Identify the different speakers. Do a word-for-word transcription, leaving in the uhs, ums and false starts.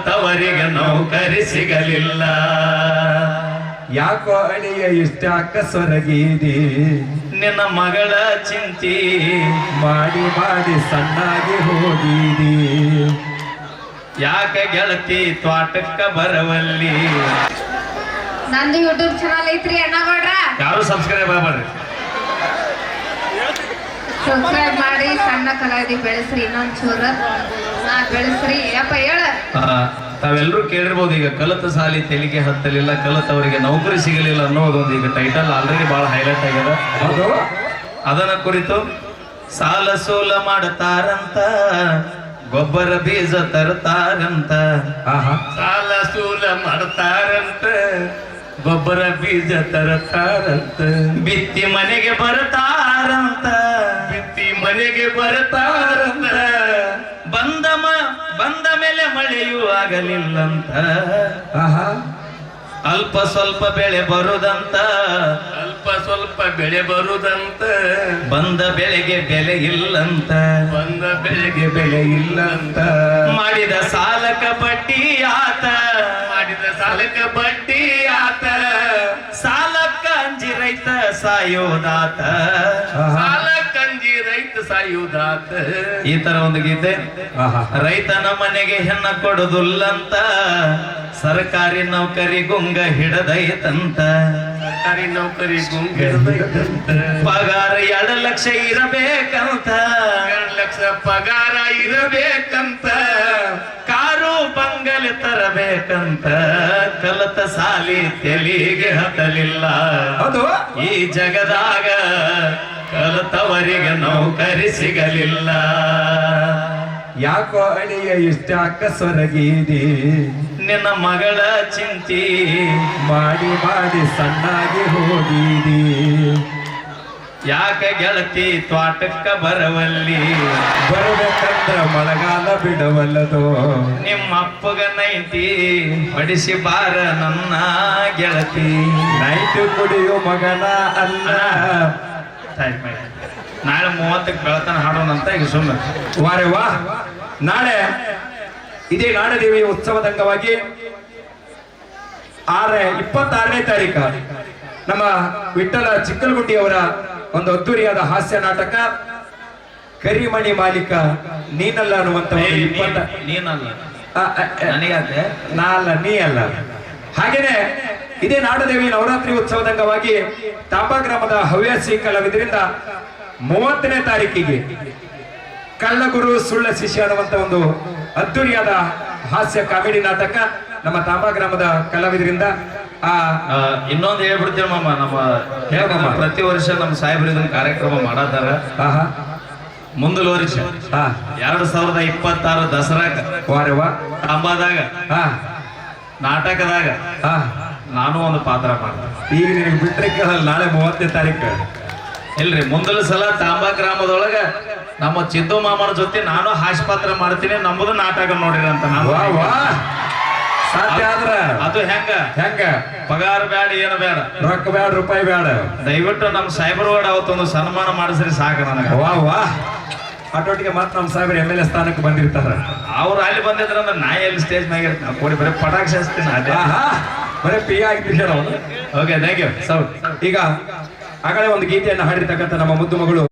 Speaker 1: ಕಲಿತವರಿಗೆ ನೌಕರಿ ಸಿಗಲಿಲ್ಲ.
Speaker 2: ಯಾಕೋ ಅಳಿಯ ಇಷ್ಟ ಅಕ್ಕಸೊರಗೀದಿ
Speaker 1: ನಿನ್ನ ಮಗಳ ಚಿಂತಿ
Speaker 2: ಮಾಡಿ ಮಾಡಿ ಸಣ್ಣಾಗಿ ಹೋಗಿದಿ.
Speaker 1: ಯಾಕ ಗೆಳತಿ ತ್ವಾಟಕ್ಕ ಬರವಲ್ಲಿ.
Speaker 3: ನಂದು ಯೂಟ್ಯೂಬ್ ಚಾನಲ್ ಐತ್ರಿ ಅಣ್ಣಗೌಡ್ರ,
Speaker 1: ಯಾರು ಸಬ್ಸ್ಕ್ರೈಬ್ ಆಗ್ಬೇಡ್ರಿ.
Speaker 3: ಸಬ್ಸ್ಕ್ರೈಬ್ ಮಾಡಿ ಸಣ್ಣ ಕಲಾವಿದಿ ಬೆಳೆಸ್ರಿ, ಇನ್ನೊಂದ್ ಚೂರ ನಾ ಬೆಳೆಸ್ರಿ ಯಪ್ಪ ಹೇಳ.
Speaker 1: ತಾವೆಲ್ಲರೂ ಕೇಳಿರ್ಬೋದು, ಈಗ ಕಲಿತ ಸಾಲಿ ತೆಲಿಗೆ ಹತ್ತಲಿಲ್ಲ, ಕಲಿತವರಿಗೆ ನೌಕರಿ ಸಿಗಲಿಲ್ಲ ಅನ್ನೋದೊಂದು ಈಗ ಟೈಟಲ್ ಆಲ್ರೆಡಿ ಬಹಳ ಹೈಲೈಟ್ ಆಗ್ಯದ.
Speaker 2: ಹೌದು,
Speaker 1: ಅದನ್ನ ಕುರಿತು ಸಾಲ ಸೋಲ ಮಾಡತಾರಂತ, ಗೊಬ್ಬರ ಬೀಜ ತರ್ತಾರಂತ.
Speaker 2: ಆಹಾ,
Speaker 1: ಸಾಲ ಸೂಲ ಮಾಡ್ತಾರಂತ, ಗೊಬ್ಬರ ಬೀಜ ತರತಾರಂತ. ಬಿತ್ತಿ ಮನೆಗೆ ಬರ್ತಾರಂತ, ಬಿತ್ತಿ ಮನೆಗೆ ಬರ್ತಾರಂತ. ಬಂದ ಮ ಬಂದ ಮೇಲೆ ಮಳೆಯೂ ಆಗಲಿಲ್ಲಂತ.
Speaker 2: ಆಹಾ,
Speaker 1: ಅಲ್ಪ ಸ್ವಲ್ಪ ಬೆಳೆ ಬರುದಂತ, ಅಲ್ಪ ಸ್ವಲ್ಪ ಬೆಳೆ ಬರುದಂತ. ಬಂದ ಬೆಳೆಗೆ ಬೆಲೆ ಇಲ್ಲಂತ, ಬಂದ ಬೆಳೆಗೆ ಬೆಲೆ ಇಲ್ಲಂತ. ಮಾಡಿದ ಸಾಲಕ ಬಡ್ಡಿ ಆತ, ಮಾಡಿದ ಸಾಲಕ ಬಡ್ಡಿ ಆತ. ಸಾಲಕ್ಕ ಅಂಜಿ ರೈತ ಸಾಯೋದಾತ, ಸಾಲಕ್ಕ ಅಂಜಿ ರೈತ ಸಾಯೋದಾತ. ಈ ತರ ಒಂದು ಗೀತೆ.
Speaker 2: ಆಹಾ,
Speaker 1: ರೈತನ ಮನೆಗೆ ಹೆಣ್ಣ ಕೊಡುದಿಲ್ಲಂತ, ಸರ್ಕಾರಿ ನೌಕರಿ ಗುಂಗ ಹಿಡದೈತಂತ. ಸರ್ಕಾರಿ ನೌಕರಿ ಗುಂಗ ಹಿಡದೈತಂತ. ಪಗಾರ ಎರಡು ಲಕ್ಷ ಇರಬೇಕಂತ, ಎರಡು ಲಕ್ಷ ಪಗಾರ ಇರಬೇಕಂತ. ಕಾರು ಬಂಗಲೆ ತರಬೇಕಂತ, ಕಲತ ಸಾಲಿ ತೆಲಿಗೆ ಹತ್ತಲಿಲ್ಲ.
Speaker 2: ಹೌದು,
Speaker 1: ಈ ಜಗದಾಗ ಕಲಿತವರಿಗೆ ನೌಕರಿ ಸಿಗಲಿಲ್ಲ.
Speaker 2: ಯಾಕೋ ಅಳಿಯ ಇಷ್ಟ ಅಕ್ಕಸೊರಗೀದಿ
Speaker 1: ನಿನ್ನ ಮಗಳ ಚಿಂತಿ
Speaker 2: ಮಾಡಿ ಮಾಡಿ ಸಣ್ಣಾಗಿ ಹೋಗಿದಿ.
Speaker 1: ಯಾಕ ಗೆಳತಿ ತ್ವಾಟಕ್ಕ ಬರವಲ್ಲಿ.
Speaker 2: ಬರಬೇಕಂದ್ರ ಮಳೆಗಾಲ ಬಿಡವಲ್ಲದು.
Speaker 1: ನಿಮ್ಮ ಅಪ್ಪಗ ನೈಂಟಿ ಹೊಡಿಸಿ ಬಾರ ನನ್ನ ಗೆಳತಿ.
Speaker 2: ನೈಟ್ ಕುಡಿಯೋ ಮಗನ ಅಲ್ಲ.
Speaker 1: ನಾಳೆ ಮೂವತ್ತಕ್ಕೆ ಬೆಳತನ ಹಾಡೋಣಂತ ಈಗ ಸುಮ್ಮನೆ.
Speaker 2: ವಾರೆ ವಾ, ನಾಳೆ ಇದೇ ನಾಡದೇವಿ ಉತ್ಸವದ ಅಂಗವಾಗಿ ಆರ ಇಪ್ಪತ್ತಾರನೇ ತಾರೀಕು ನಮ್ಮ ವಿಠ್ಠಲ ಚಿಕ್ಕಲಗುಂಡಿ ಅವರ ಒಂದು ಅದ್ದೂರಿಯಾದ ಹಾಸ್ಯ ನಾಟಕ ಕರಿಮಣಿ ಮಾಲೀಕ ನೀನಲ್ಲ ಅನ್ನುವಂತ ಒಂದು ಇಪ್ಪತ್ತ
Speaker 1: ನೀನಲ್ಲ
Speaker 2: ಆ, ಆ, ಆ,
Speaker 1: ನನಗಾದೆ
Speaker 2: ನಾ ಅಲ್ಲ ನೀ ಅಲ್ಲ. ಹಾಗೇನೆ ಇದೇ ನಾಡದೇವಿ ನವರಾತ್ರಿ ಉತ್ಸವದ ಅಂಗವಾಗಿ ತಾಂಬಾ ಗ್ರಾಮದ ಹವ್ಯಾಸಿ ಕಲಾವಿದರಿಂದ ಮೂವತ್ತನೇ ತಾರೀಕಿಗೆ ಕಳ್ಳಗುರು ಸುಳ್ಳ ಶಿಷ್ಯ ಅನ್ನುವಂತ ಒಂದು ಅದ್ದೂರಿಯಾದ ಹಾಸ್ಯ ಕಾಮಿಡಿ ನಾಟಕ ನಮ್ಮ ತಾಂಬಾ ಗ್ರಾಮದ ಕಲಾವಿದರಿಂದ. ಆ
Speaker 1: ಇನ್ನೊಂದು ಹೇಳ್ಬಿಡ್ತೇವೆ ಮಾಮ, ನಮ್ಮ
Speaker 2: ಹೇಳ್ಬಮ್ಮ.
Speaker 1: ಪ್ರತಿ ವರ್ಷ ನಮ್ಮ ಸಾಹೇಬ್ರು ಇದನ್ನ ಕಾರ್ಯಕ್ರಮ ಮಾಡತಾರ.
Speaker 2: ಆಹಾ,
Speaker 1: ಮುಂದಲ ವರ್ಷ
Speaker 2: ಹಾ,
Speaker 1: ಎರಡ್ ಸಾವಿರದ ಇಪ್ಪತ್ತಾರು ದಸರಾಗ
Speaker 2: ವಾರೆ ವಾ,
Speaker 1: ತಾಂಬಾದಾಗ
Speaker 2: ಹಾ,
Speaker 1: ನಾಟಕದಾಗ
Speaker 2: ಹಾ,
Speaker 1: ನಾನು ಒಂದು ಪಾತ್ರ ಮಾಡ್ದೆ.
Speaker 2: ಈಗ ನಿನಗೆ ಬಿಟ್ರೆ ಕೇಳಲ್ಲ, ನಾಳೆ ಮೂವತ್ತನೇ ತಾರೀಕು.
Speaker 1: ಇಲ್ರಿ, ಮುಂದಲ ಸಲ ತಾಂಬಾ ಗ್ರಾಮದೊಳಗ ನಮ್ಮ ಚಿದ್ದು ಮಾಮನ ಜೊತೆ ನಾನು ಹಾಸ್ಯ ಪಾತ್ರ ಮಾಡ್ತೀನಿ, ನಮ್ಮದು ನಾಟಕ ನೋಡಿರಂತ. ನಾನು
Speaker 2: ವಾ ವಾ, ಸಾಧ್ಯ ಆದ್ರ
Speaker 1: ಅದು ಹೆಂಗ
Speaker 2: ಹೆಂಗ
Speaker 1: ಪಗಾರ ಬೇಡ, ಏನು ಬೇಡ,
Speaker 2: ರೊಕ್ಕ ಬೇಡ, ರೂಪಾಯಿ ಬೇಡ.
Speaker 1: ದಯವಿಟ್ಟು ನಮ್ಮ ಸಾಹೇಬರವಾಡ ಅವತ್ತೊಂದು ಸನ್ಮಾನ ಮಾಡಿಸ್ರಿ ಸಾಕು ನನಗ.
Speaker 2: ವಾ ವಾ, ಆಟೋಟಿಗೆ ಮಾತ್ರ ನಮ್ಮ ಸಾಹೇಬರು ಎಮ್ ಎಲ್ ಎ ಸ್ಥಾನಕ್ಕೆ ಬಂದಿರ್ತಾರ.
Speaker 1: ಅವ್ರು ಅಲ್ಲಿ ಬಂದಿದ್ರ ಅಂದ್ರೆ ನಾ ಎಲ್ಲಿ ಸ್ಟೇಜ್ ಮ್ಯಾಗ ಇರ್ತೀನಿ, ಕೊಡಿ ಬರೀ ಪಟಾಕ್ಷಿ ಹಚ್ತೀನಿ ಅದೇ.
Speaker 2: ಆಹಾ, ಬರೀ ಪಿ ಆಗಿಬಿಟ್ಟಿಲ್ಲ ಅವನು.
Speaker 1: Okay, thank you.
Speaker 2: ಈಗ ಆಗಲೇ ಒಂದು ಗೀತೆಯನ್ನು ಹಾಡಿರ್ತಕ್ಕಂಥ ನಮ್ಮ ಮುದ್ದು ಮಗಳು